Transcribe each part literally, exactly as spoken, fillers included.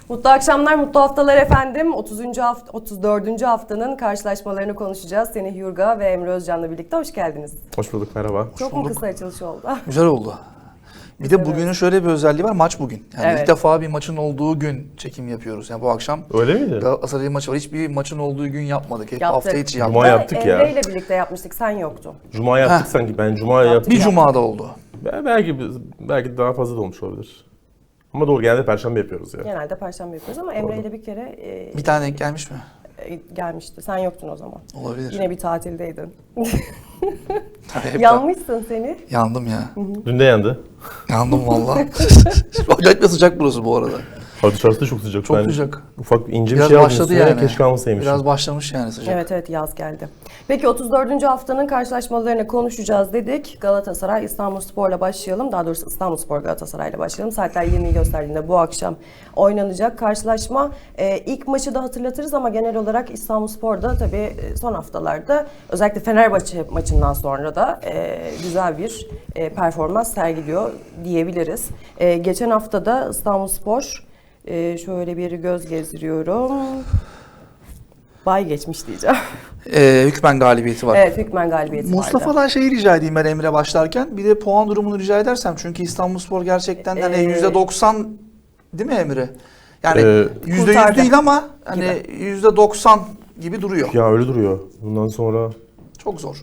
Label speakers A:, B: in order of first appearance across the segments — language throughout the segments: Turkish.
A: Mutlu akşamlar, mutlu haftalar efendim. otuzuncu hafta, otuz dördüncü haftanın karşılaşmalarını konuşacağız. Semih Yurga ve Emre Özcan'la birlikte hoş geldiniz.
B: Hoş bulduk, merhaba.
A: Çok mu kısa açılış oldu?
C: Güzel oldu. Bir de bugünün şöyle bir özelliği var, maç bugün. Yani
A: Evet.
C: ilk defa bir maçın olduğu gün çekim yapıyoruz. Yani bu akşam
B: Öyle miydi?
C: Galatasaray'ın maçı var. Hiçbir maçın olduğu gün yapmadık. Hep
A: Yaptık.
C: hafta içi yaptık.
B: Cuma yaptık ya.
A: Emre ile birlikte yapmıştık, sen yoktun.
B: Cuma yaptık
C: Heh.
B: sanki. Ben Cuma yaptım.
C: Bir cumada oldu.
B: Be- Belki belki daha fazla da olmuş olabilir. Ama doğru, genelde Perşembe yapıyoruz ya.
A: Genelde Perşembe yapıyoruz ama Emre ile bir kere e,
C: Bir tane denk gelmiş mi?
A: e, gelmişti. Sen yoktun o zaman.
C: Olabilir.
A: Yine bir tatildeydin.
C: Tabii hep
A: Yanmışsın seni.
C: Yandım ya.
B: Dün de yandı.
C: Yandım valla. Acayip de sıcak burası bu arada.
B: Hava dışarısı da çok sıcak.
C: Çok
B: ben
C: sıcak.
B: Ufak ince bir
C: Biraz
B: şey aldım
C: başladı
B: üstüne,
C: yani.
B: keşke almasaymışım.
C: Biraz başlamış yani sıcak.
A: Evet evet, yaz geldi. Peki otuz dördüncü haftanın karşılaşmalarını konuşacağız dedik. Galatasaray İstanbulspor'la başlayalım. Daha doğrusu İstanbulspor Galatasaray'la başlayalım. Saatler yirmiyi gösterdiğinde bu akşam oynanacak karşılaşma. Ee, ilk maçı da hatırlatırız ama genel olarak İstanbulspor'da tabii son haftalarda özellikle Fenerbahçe maçından sonra da e, güzel bir e, performans sergiliyor diyebiliriz. E, geçen hafta da İstanbulspor e, şöyle bir göz gezdiriyorum. Bay geçmiş diyeceğim.
C: Ee, hükmen galibiyeti var.
A: Evet, hükmen galibiyeti vardı.
C: Mustafa'dan şeyi rica edeyim ben Emre başlarken. Bir de puan durumunu rica edersem. Çünkü İstanbulspor gerçekten hani
A: Ee,
C: yüzde doksan değil mi Emre? Yani
B: Ee,
C: yüzde yüz
A: kurtardı
C: değil ama hani yüzde doksan gibi duruyor.
B: Ya öyle duruyor. Bundan sonra
C: Çok zor.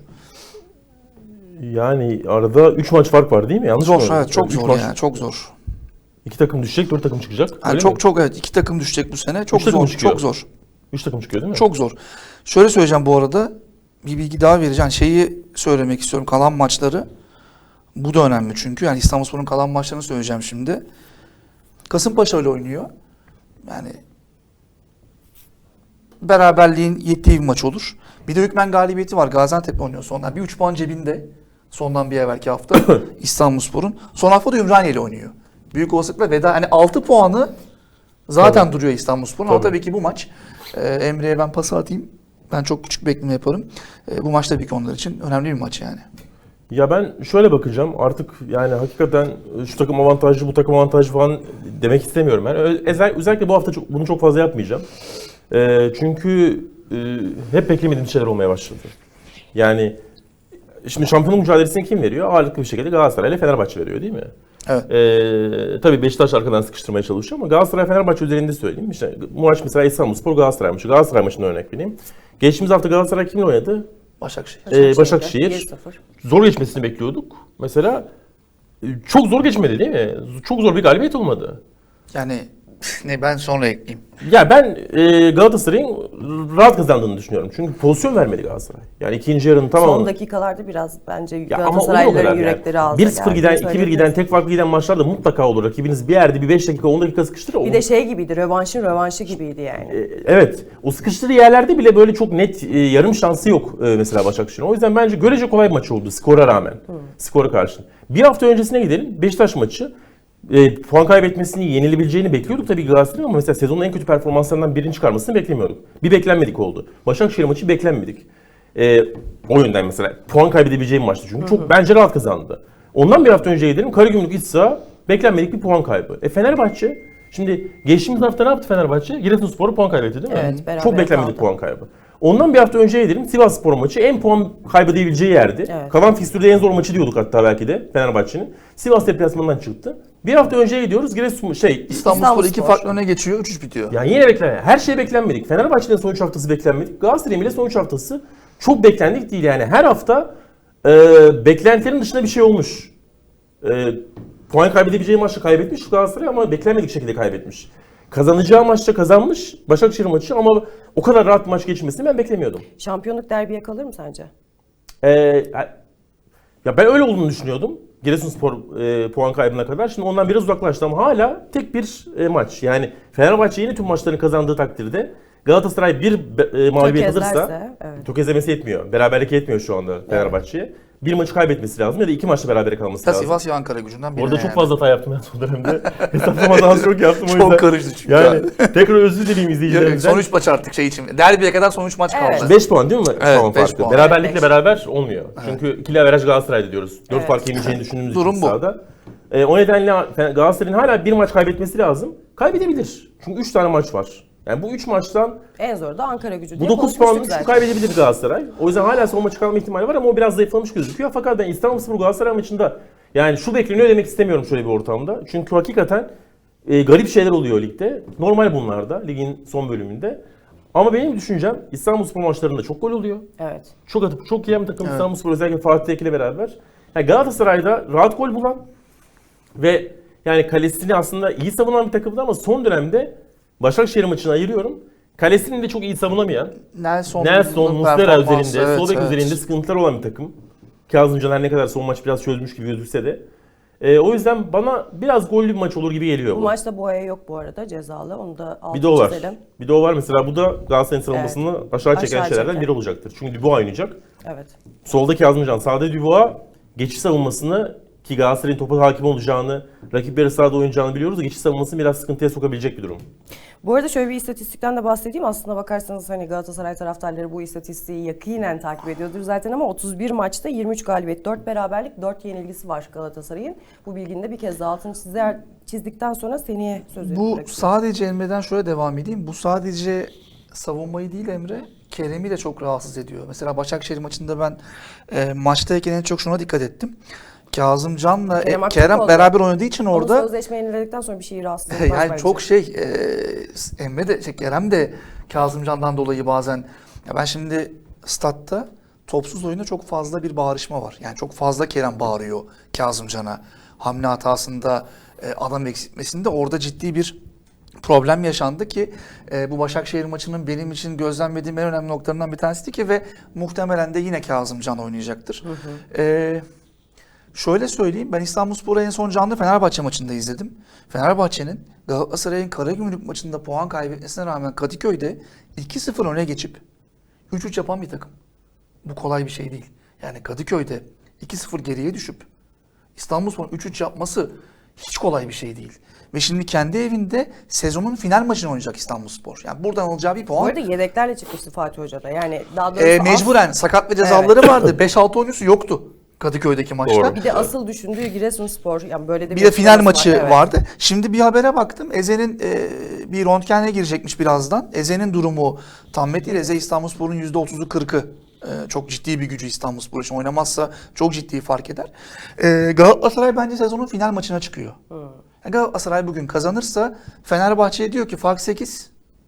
B: yani arada üç maç fark var değil mi? Yanlış
C: Zor,
B: mı?
C: evet çok
B: Üç
C: zor
B: maç-
C: yani çok zor.
B: İki takım düşecek, dört takım çıkacak.
C: Yani
B: Öyle
C: çok
B: mi?
C: çok evet iki takım düşecek bu sene. Çok
B: Üç takım
C: zor,
B: çıkıyor.
C: çok zor.
B: Üç takım çıkıyor değil mi?
C: Çok zor. Şöyle söyleyeceğim bu arada. Bir bilgi daha vereceğim. Şeyi söylemek istiyorum. Kalan maçları. Bu da önemli çünkü. Yani İstanbulspor'un kalan maçlarını söyleyeceğim şimdi. Kasımpaşa ile oynuyor. Yani beraberliğin yettiği bir maç olur. Bir de hükmen galibiyeti var. Gaziantep oynuyor sondan. Bir üç puan cebinde. Sondan bir evvelki hafta İstanbulspor'un. Son hafta da Ümraniye ile oynuyor. Büyük olasılıkla veda. Hani altı puanı zaten
B: Tabii.
C: duruyor İstanbulspor'un. Ama
B: Tabii.
C: tabii ki bu maç. E, Emre'ye ben pası atayım. Ben çok küçük bekleme yaparım. E, bu maç tabii ki onlar için önemli bir maç yani.
B: Ya ben şöyle bakacağım, artık yani hakikaten şu takım avantajlı, bu takım avantajlı falan demek istemiyorum. Yani özel, özellikle bu hafta çok, bunu çok fazla yapmayacağım. Ee, çünkü e, hep beklemediğim şeyler olmaya başladı. Yani şimdi şampiyonluk mücadelesini kim veriyor? Ağırlıklı bir şekilde Galatasaray ile Fenerbahçe veriyor değil mi?
C: Evet.
B: Ee, tabii Beşiktaş arkadan sıkıştırmaya çalışıyor ama Galatasaray Fenerbahçe üzerinde söyleyeyim. İşte bu maç mesela İstanbulspor Galatasaray maçı. Galatasaray maçına örnek vereyim. Geçtiğimiz hafta Galatasaray kimle oynadı?
C: Başakşehir.
B: Ee, Başakşehir.
A: bir sıfır.
B: Zor geçmesini bekliyorduk. Mesela e, çok zor geçmedi değil mi? Çok zor bir galibiyet olmadı.
C: Yani ne ben sonra ekleyeyim.
B: Ya ben e, Galatasaray'ın rahat kazandığını düşünüyorum. Çünkü pozisyon vermedi Galatasaray. Yani ikinci yarının tamamı.
A: Son dakikalarda biraz bence
B: Ya ama olur o
A: Galatasaraylıların
B: kadar
A: yürekleri
B: yani.
A: ağzına
B: bir sıfır
A: geldi.
B: giden, iki bir giden,
A: Söyleyebiliriz.
B: tek farklı giden maçlarda mutlaka olur. Rakibiniz bir yerde bir beş dakika, on dakika sıkıştırır.
A: Bir de şey gibiydi, rövanşın rövanşı gibiydi yani.
B: E, Evet. O sıkıştığı yerlerde bile böyle çok net e, yarım şansı yok e, mesela Başakşehir'in. O yüzden bence görece kolay bir maç oldu skora rağmen. Skora karşı. Bir hafta öncesine gidelim. Beşiktaş maçı. E, puan kaybetmesini, yenilebileceğini bekliyorduk tabii Galatasaray'ın ama mesela sezonun en kötü performanslarından birini çıkarmasını beklemiyorduk. Bir beklenmedik oldu. Başakşehir maçı beklenmedik. E, o yönden mesela puan kaybedebileceği bir maçtı çünkü. Çok bence rahat kazandı. Ondan bir hafta önce gidelim. Karagümrük iç saha beklenmedik bir puan kaybı. E Fenerbahçe, şimdi geçtiğimiz hafta ne yaptı Fenerbahçe? Giresunspor'u puan kaybetti değil mi?
A: Evet, beraber
B: Çok beklenmedik
A: kaldı.
B: puan kaybı. Ondan bir hafta önce gidelim. Sivasspor maçı en puan kaybedebileceği yerdi.
A: Evet.
B: Kalan fikstürde en zor maçı diyorduk hatta belki de Fenerbahçe'nin. Sivas deplasmanından çıktı. Bir hafta önce gidiyoruz. Giresun şey
C: İstanbulspor iki
A: İstanbulspor.
C: farklı öne geçiyor. üç üç bitiyor.
B: yani yine beklenmedik. Her şey beklenmedik. Fenerbahçe'nin son üç haftası beklenmedik. Galatasaray'ın bile son üç haftası çok beklendik değil. Yani her hafta e, beklentilerin dışında bir şey olmuş. E, puan kaybedebileceği maçta kaybetmiş Galatasaray ama beklenmedik şekilde kaybetmiş. Kazanacağı maçta kazanmış Başakşehir maçı ama o kadar rahat bir maç geçmesini ben beklemiyordum.
A: Şampiyonluk derbiye kalır mı sence?
B: Ee, ya ben öyle olduğunu düşünüyordum. Giresunspor e, puan kaybına kadar. Şimdi ondan biraz uzaklaştı ama hala tek bir e, maç. Yani Fenerbahçe yine tüm maçlarını kazandığı takdirde Galatasaray bir e, mağlubiyet alırsa
A: Tökezlerse, evet.
B: tökezlemesi yetmiyor. Beraberlik yetmiyor şu anda Fenerbahçe'ye. Bir maçı kaybetmesi lazım ya da iki maçta berabere kalması
C: Ya
B: lazım.
C: Sivas ya Ankara gücünden birine
B: Orada çok
C: yani.
B: fazla hata yaptım ben son dönemde. Hesaplamadan az çok yaptım o yüzden.
C: Çok karıştı çünkü.
B: Yani tekrar özür dileyim
C: Ya,
B: izleyicilerimizden.
C: son üç maç artık şey için. Derbiye kadar son üç maç
A: Evet.
C: kaldı.
B: beş puan değil mi?
C: Evet,
B: puan
C: beş
B: farkı.
C: puan.
B: Beraberlikle
A: Evet, beş.
B: beraber olmuyor. Çünkü ikili averaj Galatasaray'da diyoruz. dört
A: Evet.
B: fark yeneceğini düşündüğümüz
C: Durum
B: için
C: bu.
B: sahada. E, o nedenle Galatasaray'ın hala bir maç kaybetmesi lazım. Kaybedebilir. Çünkü üç tane maç var. Yani bu üç maçtan
A: En zoru da Ankara Gücü
B: bu
A: diye
B: dokuz
A: konuşmuştuk
B: puanlık
A: zaten.
B: şu kaybedebilir Galatasaray. O yüzden hala son maçı kalma ihtimali var ama o biraz zayıflamış gözüküyor. Fakat ben İstanbulspor Galatasaray maçında yani şu bekleniyor demek istemiyorum şöyle bir ortamda. Çünkü hakikaten e, garip şeyler oluyor ligde. Normal bunlar da ligin son bölümünde. Ama benim düşüncem İstanbulspor maçlarında çok gol oluyor.
A: Evet.
B: Çok atıp çok yiyen bir takım
C: Evet.
B: İstanbulspor özellikle Fatih Tekke ile beraber. Yani Galatasaray'da rahat gol bulan ve yani kalesini aslında iyi savunan bir takımdı ama son dönemde Başakşehir maçını ayırıyorum. Kalesini de çok iyi savunamayan,
C: Nelson,
B: Nelson, Muslera
C: performansı,
B: üzerinde,
C: evet,
B: sol bek
C: evet.
B: üzerinde sıkıntılar olan bir takım. Kazım Caner ne kadar son maç biraz çözmüş gibi gözükse de. Ee, o yüzden bana biraz gollü bir maç olur gibi geliyor
A: Bu
B: bu.
A: maçta Boya yok bu arada cezalı. Onu da altı
B: Bir de o var.
A: çizelim.
B: Bir de o var mesela bu da Galatasaray'ın savunmasını aşağı çeken
A: Aşağı
B: şeylerden
A: çeken.
B: biri olacaktır. Çünkü Dubois oynayacak.
A: Evet.
B: Solda Kazımcan, sağda Dubois geçiş savunmasını ki Galatasaray'ın topa hakim olacağını, rakip yarı sahada oynayacağını biliyoruz. Geçiş savunmasını biraz sıkıntıya sokabilecek bir durum.
A: Bu arada şöyle bir istatistikten de bahsedeyim. Aslında bakarsanız hani Galatasaray taraftarları bu istatistiği yakinen takip ediyordur zaten ama otuz bir maçta yirmi üç galibiyet, dört beraberlik, dört yenilgisi var Galatasaray'ın. Bu bilginin de bir kez daha altını çizer, çizdikten sonra seneye sözü
C: Bu
A: bırakıyorum.
C: sadece Emre'den şöyle devam edeyim. Bu sadece savunmayı değil Emre, Kerem'i de çok rahatsız ediyor. Mesela Başakşehir maçında ben e, maçtayken en çok şuna dikkat ettim. Kazımcan'la e,
A: Kerem
C: Kerem,
A: Aktürkoğlu.
C: beraber oynadığı için
A: Onun
C: orada
A: sözleşme yeniledikten sonra bir şey rahatsız etmez
C: yani
A: bence.
C: çok şey e, Emre de şey, Kerem de Kazımcan'dan dolayı bazen ya ben şimdi statta topsuz oyunda çok fazla bir bağırışma var. Yani çok fazla Kerem bağırıyor Kazımcan'a. Hamle hatasında e, adam eksiltmesinde orada ciddi bir problem yaşandı ki e, bu Başakşehir maçının benim için gözlemlediğim en önemli noktalarından bir tanesiydi ki ve muhtemelen de yine Kazımcan oynayacaktır. Hı hı. E, şöyle söyleyeyim, ben İstanbulspor'u en son canlı Fenerbahçe maçında izledim. Fenerbahçe'nin Galatasaray'ın Karagümrük maçında puan kaybetmesine rağmen Kadıköy'de iki sıfır öne geçip üç üç yapan bir takım. Bu kolay bir şey değil. Yani Kadıköy'de iki sıfır geriye düşüp İstanbulspor'un üç üç yapması hiç kolay bir şey değil. Ve şimdi kendi evinde sezonun final maçını oynayacak İstanbulspor. Yani buradan alacağı bir
A: Bu
C: puan
A: arada yedeklerle çıkmıştı Fatih Hoca da. Yani daha doğrusu
C: e,
A: as-
C: mecburen sakat ve cezaları vardı. beş altı oyuncusu yoktu Kadıköy'deki maçta.
B: Doğru.
A: bir de asıl düşündüğü Giresunspor. Yani böyle de
C: Bir de final
A: açıklaması
C: maçı
A: var, evet.
C: vardı. Şimdi bir habere baktım. Eze'nin e, bir röntgenine girecekmiş birazdan. Eze'nin durumu tam net değil. Eze İstanbulspor'un yüzde otuzu kırkı. E, çok ciddi bir gücü İstanbulspor için. Oynamazsa çok ciddi fark eder. E, Galatasaray bence sezonun final maçına çıkıyor.
A: Hı.
C: Yani Galatasaray bugün kazanırsa Fenerbahçe'ye diyor ki fark sekiz.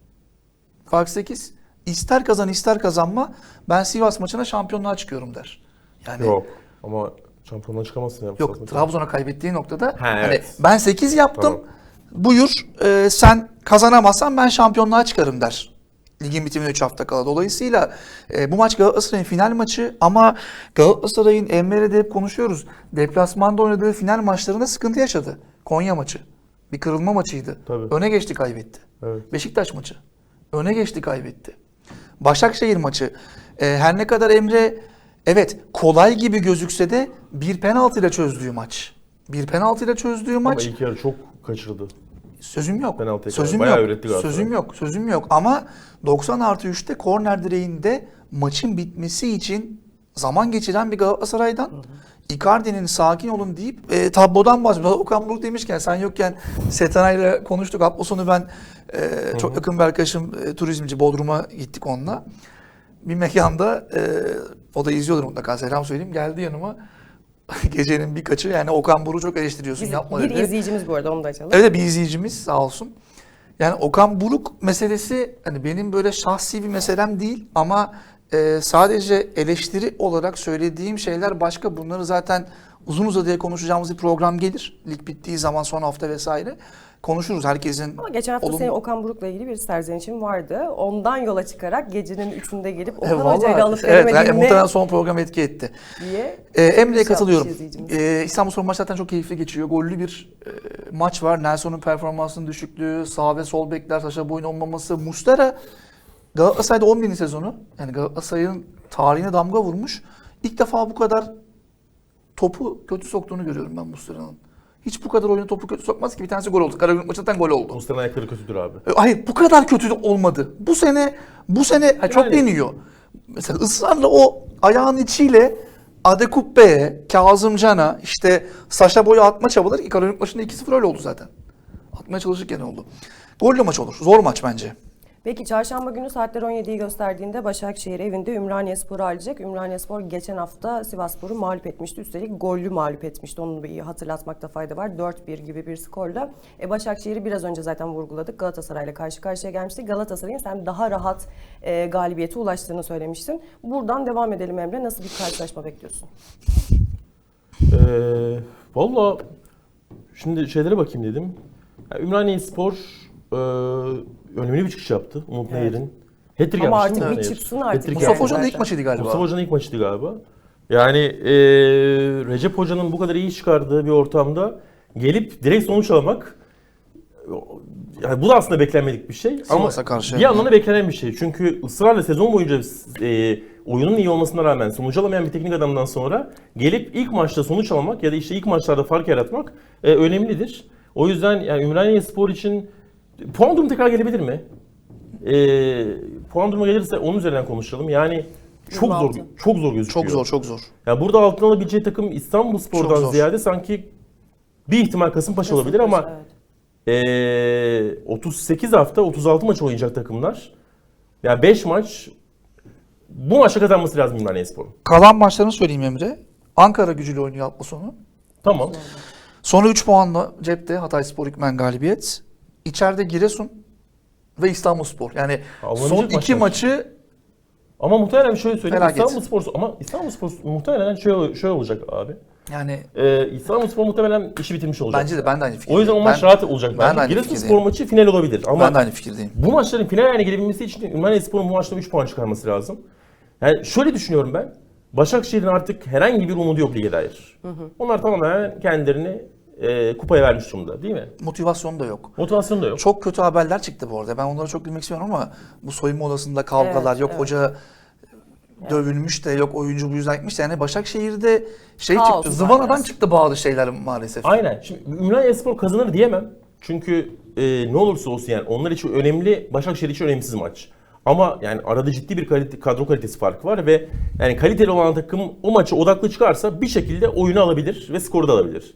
C: Fark sekiz. İster kazan ister kazanma ben Sivas maçına şampiyonluğa çıkıyorum der. Yani
B: Yok ama şampiyonluğa çıkamazsın. Ya, bu
C: Yok,
B: saatten
C: Trabzon'a kaybettiği noktada
B: Ha,
C: hani
B: evet.
C: ben sekiz yaptım.
B: Tamam.
C: Buyur e, sen kazanamazsan ben şampiyonluğa çıkarım der. Ligin bitimine üç hafta kala. Dolayısıyla e, bu maç Galatasaray'ın final maçı ama Galatasaray'ın Emre'yle de hep konuşuyoruz. Deplasmanda oynadığı final maçlarında sıkıntı yaşadı. Konya maçı. Bir kırılma maçıydı.
B: Tabii.
C: Öne geçti kaybetti.
B: Evet.
C: Beşiktaş maçı. Öne geçti kaybetti. Başakşehir maçı. E, her ne kadar Emre evet kolay gibi gözükse de bir penaltıyla çözdüğü maç. Bir penaltıyla çözdüğü
B: Ama
C: maç.
B: ilk yarı çok kaçırdı.
C: Sözüm yok.
B: Penaltıya
C: Sözüm
B: kadar bayağı
C: yok.
B: üretti Galatasaray.
C: Sözüm yok. Sözüm yok. Ama doksan artı üçte korner direğinde maçın bitmesi için zaman geçiren bir Galatasaray'dan Icardi'nin sakin olun deyip e, tablodan bahsediyor. Okan Buruk demişken sen yokken Setanay'la konuştuk. Hafta sonu ben e, çok yakın bir arkadaşım e, turizmci Bodrum'a gittik onunla. Bir mekanda e, o da izliyordur mutlaka selam söyleyeyim. Geldi yanıma gecenin birkaçı yani Okan Buruk'u çok eleştiriyorsun
A: Biz-
C: yapma
A: bir
C: dedi.
A: izleyicimiz bu arada onu da açalım.
C: Evet bir izleyicimiz sağ olsun. Yani Okan Buruk meselesi hani benim böyle şahsi bir meselem değil ama e, sadece eleştiri olarak söylediğim şeyler başka. Bunları zaten uzun uzadıya konuşacağımız bir program gelir. Lig bittiği zaman son hafta vesaire konuşuruz herkesin.
A: Ama geçen hafta
C: olumlu-
A: senin Okan Buruk'la ilgili bir serzenişin vardı. Ondan yola çıkarak gecenin üçünde gelip
C: E,
A: Okan
C: vallahi,
A: Hoca'yla alıp
C: evet, yani
A: veremediğini
C: muhtemelen son program etki etti.
A: diye.
C: Ee, Emre'ye
A: Şey
C: katılıyorum.
A: yapmış izleyicimiz.
C: Ee, İstanbulspor maç zaten çok keyifli geçiyor. Gollü bir e, maç var. Nelson'un performansının düşüklüğü, sağ ve sol bekler, Saşa Boy'un olmaması. Muslera Galatasaray'da on bininci sezonu. Yani Galatasaray'ın tarihine damga vurmuş. İlk defa bu kadar topu kötü soktuğunu görüyorum ben Muslera'nın. Hiç bu kadar oyunu topu kötü sokmaz ki. Bir tanesi gol oldu. Karagümrük maçında gol oldu.
B: Muslera'nın ayakları kötüdür abi.
C: E, Hayır bu kadar kötü de olmadı. Bu sene bu sene ha, çok
B: Yani.
C: deniyor. Mesela ısrarla o ayağın içiyle Adekubbe'ye, Kazımcan'a, işte Saşa Boy'a atma çabaları Karagümrük maçında iki sıfır öyle oldu zaten. atmaya çalışırken oldu. Gollü maç olur. Zor maç bence.
A: Peki çarşamba günü saatler on yediyi gösterdiğinde Başakşehir evinde Ümraniyespor'u ağırlayacak. Ümraniyespor geçen hafta Sivasspor'u mağlup etmişti. Üstelik gollü mağlup etmişti. Onu bir hatırlatmakta fayda var. dört bir gibi bir skorla. E, Başakşehir'i biraz önce zaten vurguladık. Galatasaray'la karşı karşıya gelmişti. Galatasaray'ın sen daha rahat e, galibiyete ulaştığını söylemiştin. Buradan devam edelim Emre. Nasıl bir karşılaşma bekliyorsun?
B: Ee, Valla şimdi şeylere bakayım dedim. Yani Ümraniyespor e, önemli bir çıkış yaptı. Umut
A: Evet.
B: Nehir'in. Hat-trick
A: Ama
B: yapmış
A: artık
B: değil mi
A: bir
B: Nehir?
A: çıksın artık.
B: Hat-trick
C: Mustafa
B: yapmış.
C: Hoca'nın ilk
A: zaten.
C: maçıydı galiba.
B: Mustafa Hoca'nın ilk maçıydı galiba. Yani e, Recep Hoca'nın bu kadar iyi çıkardığı bir ortamda gelip direkt sonuç almak, yani bu da aslında beklenmedik bir şey.
C: Sivas'a
B: Ama
C: karşı
B: bir
C: yani.
B: yandan da beklenen bir şey. Çünkü ısrarla sezon boyunca e, oyunun iyi olmasına rağmen sonuç alamayan bir teknik adamdan sonra gelip ilk maçta sonuç almak ya da işte ilk maçlarda fark yaratmak e, önemlidir. O yüzden yani Ümraniyespor için puan durumu tekrar gelebilir mi? E, puan durumu gelirse onun üzerinden konuşalım. Yani çok
A: yirmi
B: zor,
A: altı.
B: çok zor gözüküyor.
C: Çok zor, çok zor.
B: Ya burada altın alabileceği takım
C: Çok
B: İstanbulspor'dan
C: zor.
B: ziyade sanki bir ihtimal Kasımpaşa olabilir ama
A: Evet.
B: ee, otuz sekiz hafta otuz altı maç oynayacak takımlar. Ya yani beş maç bu maçta kazanması lazım Ümraniyespor'un.
C: Kalan maçlarını söyleyeyim Emre. Ankara Gücü'yle oynuyor hafta sonu.
B: Tamam.
C: Sonra üç puanla cepte Hatayspor Hükmen galibiyet. İçeride Giresun ve İstanbulspor. Yani
B: Alınacak
C: son iki
B: maçlar.
C: maçı
B: Ama muhtemelen şöyle söyleyeyim.
C: Felaket.
B: İstanbulspor ama İstanbulspor muhtemelen şöyle, şöyle olacak abi.
C: yani
B: Ee, İstanbulspor muhtemelen işi bitirmiş olacak.
C: bence de ben de aynı fikirdeyim.
B: O yüzden o maç
C: Ben-
B: rahat olacak
C: ben de
B: bence.
C: aynı
B: Giresunspor
C: fikirdeyim.
B: maçı final olabilir ama
C: Ben de aynı fikirdeyim.
B: bu maçların final haline gelebilmesi için Ümraniyespor'un bu maçta üç puan çıkarması lazım. Yani şöyle düşünüyorum ben. Başakşehir'in artık herhangi bir umudu yok lige dair. Onlar tamamen kendilerini e, kupaya vermiş durumda değil mi?
C: Motivasyonu da yok.
B: Motivasyonu da yok.
C: Çok kötü haberler çıktı bu arada. Ben onlara çok gülmek istiyorum ama bu soyunma odasında kavgalar,
A: Evet,
C: yok
A: evet.
C: hoca dövülmüş de, yok oyuncu bu yüzden gitmiş de. Yani Başakşehir'de şey
A: Kaos
C: çıktı,
A: var
C: zıvanadan
A: biraz.
C: çıktı bazı şeyler maalesef.
B: Aynen. Şimdi Ümraniyespor kazanır diyemem. Çünkü e, ne olursa olsun yani onlar için önemli, Başakşehir için önemsiz maç. Ama yani arada ciddi bir kalite, kadro kalitesi farkı var ve yani kaliteli olan takım o maça odaklı çıkarsa bir şekilde oyunu alabilir ve skoru da alabilir.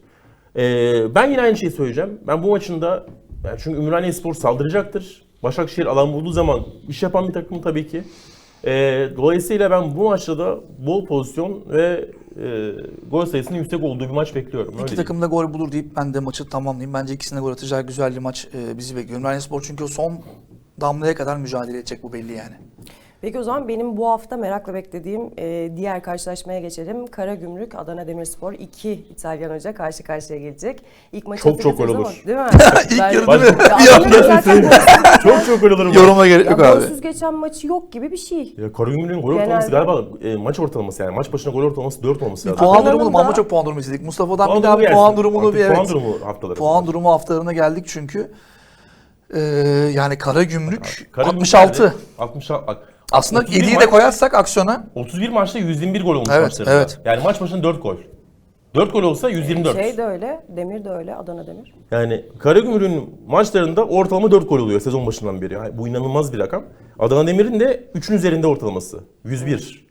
B: E, ben yine aynı şeyi söyleyeceğim. Ben bu maçın da yani çünkü Ümraniyespor saldıracaktır. Başakşehir alan bulduğu zaman iş yapan bir takım tabii ki. E, dolayısıyla ben bu maçta da bol pozisyon ve e, gol sayısının yüksek olduğu bir maç bekliyorum. Öyle
C: İki
B: diyeyim.
C: takım da gol bulur deyip ben de maçı tamamlayayım. Bence ikisine gol atacağı güzel bir maç e, bizi bekliyor. Ümraniyespor'u çünkü o son damlaya kadar mücadele edecek, bu belli yani.
A: Peki o zaman benim bu hafta merakla beklediğim e, diğer karşılaşmaya geçelim. Karagümrük, Adana Demirspor iki İtalyan hoca karşı karşıya gelecek. İlk maçı
B: Çok çok
A: hatırlatırız
B: gol
A: ama,
B: olur.
A: değil mi?
C: İlk
A: Ben-
C: yarı
B: Baş-
C: değil mi?
A: Ya
C: Bir
A: Adana'nın
C: anda
A: zaten golsüz-
B: çok çok gol alırım.
C: Yoruma gerek
A: ya
C: yok abi.
A: golsüz geçen maçı yok gibi bir şey.
B: Ya Karagümrük'ün gol ortalaması
A: Genelde-
B: galiba e, maç ortalaması yani maç başına gol ortalaması dört olması lazım.
C: Puan
A: Adana'nın
C: durumunu
A: da-
C: ama çok puan durumu izledik. Mustafa'dan
B: Puan
C: bir daha
B: durumu
C: bir puan
B: gelsin.
C: durumunu
B: Artık
C: bir evet.
B: Puan durumu haftaları.
C: Puan durumu haftalarına geldik çünkü. Ee, yani Karagümrük
B: Karagümrük
C: altmış altı.
B: nerede? altmış altı. Bak,
C: Aslında
B: otuz bir
C: yediyi de
B: maç-
C: koyarsak aksiyona
B: otuz bir maçta yüz yirmi bir gol olmuş
C: Evet,
B: maçlarında.
C: evet.
B: Yani maç başına dört gol. dört gol olsa yüz yirmi dört.
A: Şey de öyle, Demir de öyle, Adana Demir.
B: Yani Karagümrük'ün maçlarında ortalama dört gol oluyor sezon başından beri. Yani bu inanılmaz bir rakam. Adana Demir'in de üçün üzerinde ortalaması. yüz bir.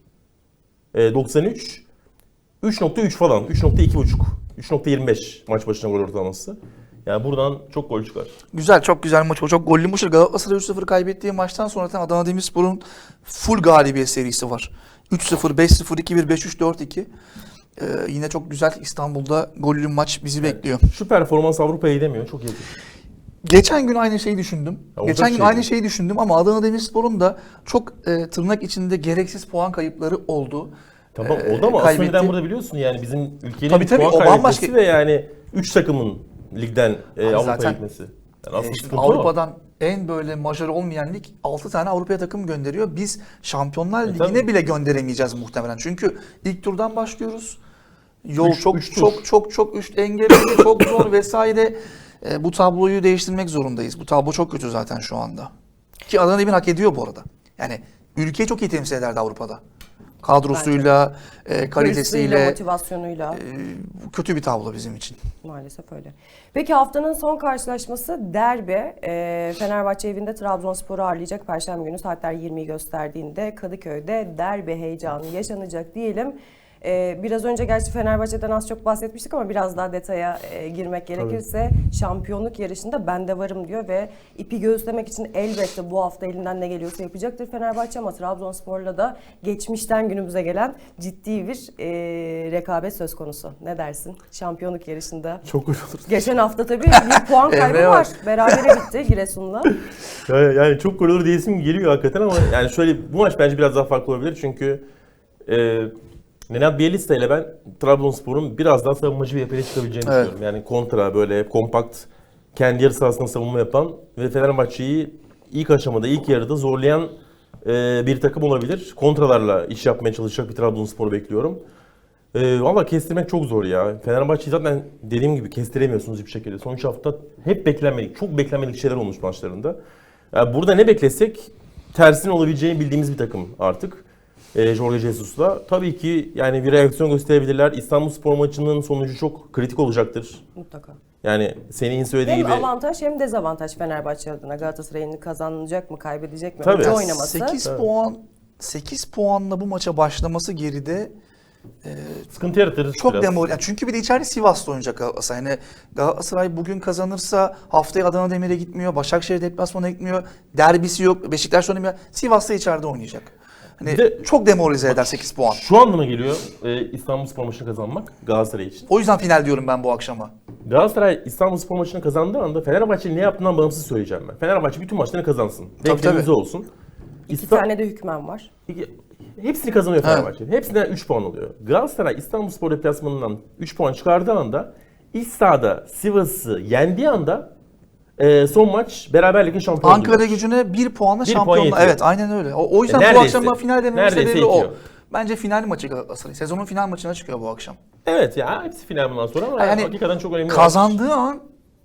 B: E, doksan üç. üç nokta üç falan. üç nokta iki buçuk. üç nokta yirmi beş maç başına gol ortalaması. Yani buradan çok gol çıkar.
C: güzel, çok güzel maç. O çok gollü maç. Galatasaray üç sıfır kaybettiği maçtan sonra zaten Adana Demirspor'un full galibiyet serisi var. üç sıfır, beş sıfır, iki bir, beş üç, dört iki. Ee, yine çok güzel İstanbul'da gollü maç bizi bekliyor.
B: Şu performans Avrupa'ya gidemiyor. Çok iyi.
C: Geçen gün aynı şeyi düşündüm.
B: Ya olacak
C: Geçen gün
B: şey
C: aynı
B: değil.
C: şeyi düşündüm ama Adana Demirspor'un da çok e, tırnak içinde gereksiz puan kayıpları oldu.
B: Tamam
C: Ee,
B: oldu ama asıl
C: kaybetti.
B: neden burada biliyorsun yani bizim ülkenin
C: Tabii, tabii,
B: puan
C: o
B: kaybetmesi
C: bambaşka-
B: ve yani üç takımın ligden e,
C: Abi
B: Avrupa'ya
C: zaten-
B: gitmesi. Yani
C: Ee,
B: asıl
C: şimdi
B: sıkıntı o.
C: Avrupa'dan en böyle majör olmayan lig altı tane Avrupa'ya takım gönderiyor. Biz Şampiyonlar
B: E,
C: Ligi'ne
B: tabii.
C: bile gönderemeyeceğiz muhtemelen. Çünkü ilk turdan başlıyoruz. Yol
B: Üç-
C: çok
B: üç tur.
C: çok çok çok üst engelli, çok zor vesaire. E, bu tabloyu değiştirmek zorundayız. Bu tablo çok kötü zaten şu anda. Ki Adana Demir hak ediyor bu arada. Yani ülkeyi çok iyi temsil ederdi Avrupa'da. Kadrosuyla, e,
A: Hırsıyla,
C: kalitesiyle
A: motivasyonuyla.
C: e, kötü bir tablo bizim için.
A: Maalesef öyle. Peki haftanın son karşılaşması derbi. Ee, Fenerbahçe evinde Trabzonspor'u ağırlayacak. Perşembe günü saatler yirmiyi gösterdiğinde Kadıköy'de derbi heyecanı yaşanacak diyelim. Ee, biraz önce gerçi Fenerbahçe'den az çok bahsetmiştik ama biraz daha detaya e, girmek gerekirse şampiyonluk yarışında ben de varım diyor ve ipi göğüslemek için elbette bu hafta elinden ne geliyorsa yapacaktır Fenerbahçe ama Trabzonspor'la da geçmişten günümüze gelen ciddi bir e, rekabet söz konusu. Ne dersin? Şampiyonluk yarışında.
B: Çok gol olur.
A: Geçen hafta tabii bir puan kaybı
C: Emre
A: var.
C: var.
A: Berabere bitti Giresun'la.
B: Yani, yani çok gol olur diyesim geliyor hakikaten ama yani şöyle bu maç bence biraz daha farklı olabilir çünkü e, Nenad Bielitsa ile ben Trabzonspor'un biraz daha savunmacı bir yapıya çıkabileceğini
C: Evet.
B: düşünüyorum. Yani kontra böyle kompakt kendi yarı sahasında savunma yapan ve Fenerbahçe'yi ilk aşamada ilk yarıda zorlayan e, bir takım olabilir. Kontralarla iş yapmaya çalışacak bir Trabzonspor'u bekliyorum. E, Valla kestirmek çok zor ya. Fenerbahçe'yi zaten dediğim gibi kestiremiyorsunuz hiçbir şekilde. Son üç hafta hep beklenmedik, çok beklenmedik şeyler olmuş maçlarında. Yani burada ne beklesek tersinin olabileceğini bildiğimiz bir takım artık. E, Jorge Jesus'la. Tabii ki yani bir reaksiyon gösterebilirler. İstanbulspor maçının sonucu çok kritik olacaktır.
A: Mutlaka.
B: Yani senin söylediği
A: Hem
B: gibi
A: avantaj hem dezavantaj Fenerbahçe adına. Galatasaray'ın kazanacak mı, kaybedecek mi?
B: Tabii.
A: Önce
B: Ya
A: oynaması.
C: sekiz puan sekiz puanla bu maça başlaması geride
B: sıkıntı yaratır
C: çok
B: biraz.
C: demoralize. Yani çünkü bir de içeride Sivas'ta oynayacak Galatasaray. Yani Galatasaray bugün kazanırsa haftaya Adana Demir'e gitmiyor, Başakşehir deplasmana gitmiyor, derbisi yok, Beşiktaş oynamıyor. Sivas'ta içeride oynayacak. Hani
B: Bir de-
C: çok demoralize eder sekiz puan.
B: Şu anlama geliyor e, İstanbulspor maçını kazanmak Galatasaray için.
C: O yüzden final diyorum ben bu akşama.
B: Galatasaray İstanbulspor maçını kazandığı anda Fenerbahçe'nin ne yaptığından bağımsız söyleyeceğim ben. Fenerbahçe bütün maçlarını kazansın. Beklentimiz
C: tabii.
B: olsun.
A: İki
B: İsta-
A: tane de hükmen var.
B: İki- Hepsini kazanıyor Fenerbahçe. Hepsinden üç puan oluyor. Galatasaray İstanbulspor deplasmanından üç puan çıkardığı anda iç sahada Sivas'ı yendiği anda e, son maç beraberlikle şampiyon
C: Ankara
B: oluyor.
C: Gücü'ne bir puanla
B: Bir puan
C: şampiyonla.
B: yetiyor.
C: Evet, aynen öyle. O, o yüzden
B: E,
C: bu
B: neredeyse-
C: akşam final dememin
B: neredeyse
C: sebebi o.
B: yetiyor.
C: Bence final maçı Galatasaray. Sezonun final maçına çıkıyor bu akşam.
B: Evet ya hepsi final bundan sonra ama
C: Yani
B: hakikaten çok önemli.
C: Kazandığı an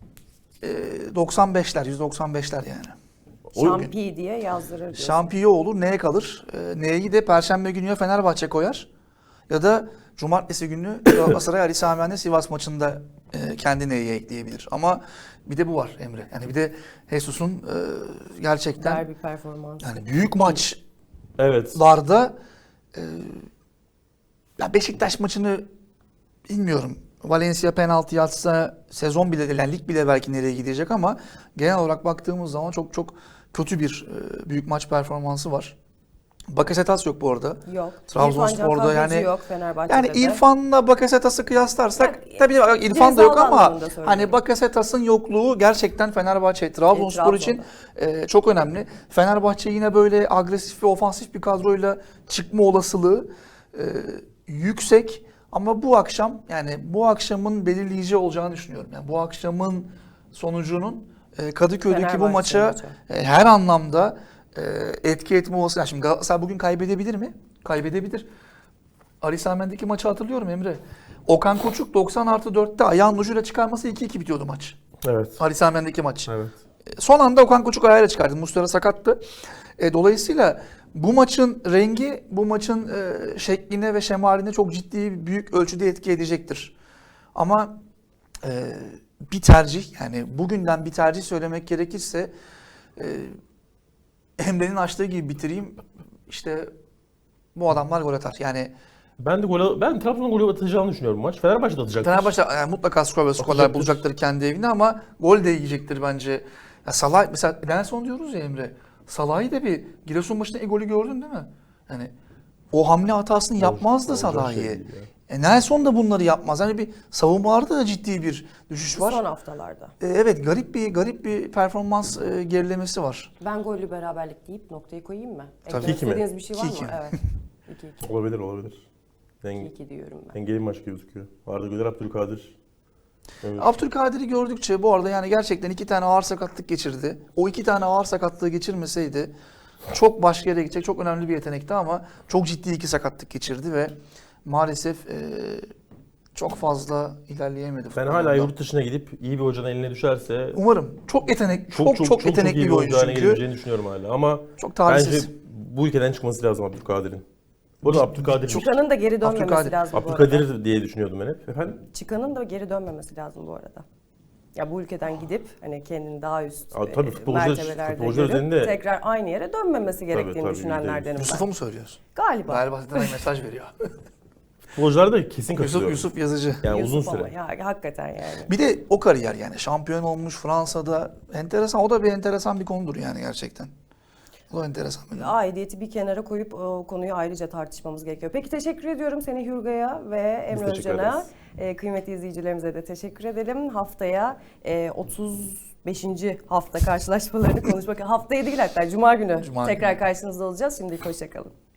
C: e, doksan beşler, yüz doksan beşler yani.
B: O-
A: Şampi diye yazdırır diyorsun.
C: Şampiyon olur, neye kalır? E, neyi de Perşembe günü ya Fenerbahçe koyar ya da Cumartesi günü Galatasaray Ali Sami Yen'de Sivas maçında e, kendi neyi ekleyebilir. Ama bir de bu var Emre. Yani bir de Jesus'un e, gerçekten
A: Derbi performansı.
C: yani büyük maç
B: Evet.
C: larda e, ya Beşiktaş maçını bilmiyorum. Valencia penaltı atsa sezon bile değil, yani lig bile belki nereye gidecek ama genel olarak baktığımız zaman çok çok kötü bir e, büyük maç performansı var. Bakasetas yok bu arada.
A: Yok.
C: Trabzonspor'da
A: İrfan Can Kahveci
C: yani
A: yok Fenerbahçe'de
C: yani
A: de.
C: İrfan'la Bakasetas'ı kıyaslarsak
A: Yani,
C: tabii İrfan da yok
A: cezalı
C: ama
A: anlamında söylüyorum.
C: hani Bakasetas'ın yokluğu gerçekten Fenerbahçe, Trabzonspor
A: E,
C: için e, çok önemli. Fenerbahçe yine böyle agresif ve ofansif bir kadroyla çıkma olasılığı e, yüksek ama bu akşam yani bu akşamın belirleyici olacağını düşünüyorum. Yani bu akşamın sonucunun e, Kadıköy'deki bu
A: Fenerbahçe
C: maça
A: maçı.
C: e, her anlamda e, etki etme olasılığı. Yani şimdi Galatasaray bugün kaybedebilir mi? Kaybedebilir. Ali Sami Yen'deki maçı hatırlıyorum Emre. Okan Koçuk doksan artı dörtte ayağın ucuyla çıkarması iki iki bitiyordu maç.
B: Evet.
C: Ali Sami Yen'deki maç.
B: Evet.
C: Son anda Okan Koçuk ayağıyla çıkardı. Muslera sakattı. E, dolayısıyla bu maçın rengi, bu maçın e, şekline ve şemaline çok ciddi, büyük ölçüde etki edecektir. Ama e, bir tercih, yani bugünden bir tercih söylemek gerekirse e, Emre'nin açtığı gibi bitireyim. İşte bu adamlar gol atar. Yani
B: Ben de gol ben Trabzon'un golü atacağını düşünüyorum maç. Fenerbahçe de atacaktır.
C: Fenerbahçe yani mutlaka skor ve skorlar
B: Atacaktır.
C: bulacaktır kendi evinde ama gol de yiyecektir bence. Ya Salah mesela Nelson diyoruz ya Emre. Salah'ı da bir Giresun maçında e golü gördün değil mi? Yani o hamle hatasını yapmazdı
B: olacak
C: Salah'ı.
B: şey değil ya.
C: E Nelson da bunları yapmaz. Yani bir savunmalarda da ciddi bir düşüş var.
A: Son haftalarda.
C: E, evet garip bir garip bir performans e, gerilemesi var.
A: Ben gollü beraberlik deyip noktayı koyayım mı?
C: Tabii.
A: Eklemek
B: İki mi?
A: istediğiniz bir şey var
C: İki iki
A: mı?
C: mi?
A: Evet. iki iki.
B: Olabilir olabilir. Denge,
A: iki iki diyorum ben.
B: dengeli bir maç gibi gözüküyor. Arda Güler, Abdülkadir. Evet.
C: Abdülkadir'i gördükçe bu arada yani gerçekten iki tane ağır sakatlık geçirdi. O iki tane ağır sakatlığı geçirmeseydi çok başka yere gidecek, çok önemli bir yetenekti ama çok ciddi iki sakatlık geçirdi ve maalesef e, çok fazla ilerleyemedi.
B: Ben
C: futbolda.
B: hala yurt dışına gidip iyi bir hocanın eline düşerse
C: Umarım. Çok yetenek, çok çok, yetenekli
B: iyi
C: bir oyuncu
B: haline
C: çünkü.
B: gelebileceğini düşünüyorum hala. Ama
C: Çok talihsiz.
B: bence bu ülkeden çıkması lazım Abdülkadir'in. Bu arada Abdülkadir
A: Çıkanın da geri dönmemesi
C: Abdülkadir.
A: lazım bu arada.
B: Abdülkadir diye düşünüyordum ben hep. Efendim?
A: Çıkanın da geri dönmemesi lazım bu arada. Ya bu ülkeden gidip hani kendini daha üst
B: Aa, tabii
A: e,
B: futbolcular-
A: mertebelerde
B: futbolcular
A: görüp
B: üzerinde-
A: tekrar aynı yere dönmemesi gerektiğini
B: tabii,
A: düşünenlerdenim ben.
C: Yusuf'a mı söylüyorsun?
A: Galiba.
C: Galiba zaten mesaj veriyor.
B: Futbolcular da kesin
C: Yusuf,
B: katılıyorum.
C: Yusuf Yazıcı.
B: Yani
A: Yusuf
B: uzun
A: ama
B: süre.
A: ya, hakikaten yani.
C: Bir de o kariyer yani şampiyon olmuş Fransa'da, enteresan, o da bir enteresan bir konudur yani gerçekten. O da enteresan bir konu.
A: Aidiyeti bir kenara koyup o konuyu ayrıca tartışmamız gerekiyor. Peki teşekkür ediyorum seni Hürga'ya ve Emre
B: teşekkür
A: Özcan'a.
B: ederiz.
A: E, kıymetli izleyicilerimize de teşekkür edelim. Haftaya e, otuz beşinci hafta karşılaşmalarını konuşmak. Haftaya değil hatta Cuma günü
C: Cuma
A: tekrar
C: günü.
A: karşınızda olacağız. Şimdilik hoşçakalın.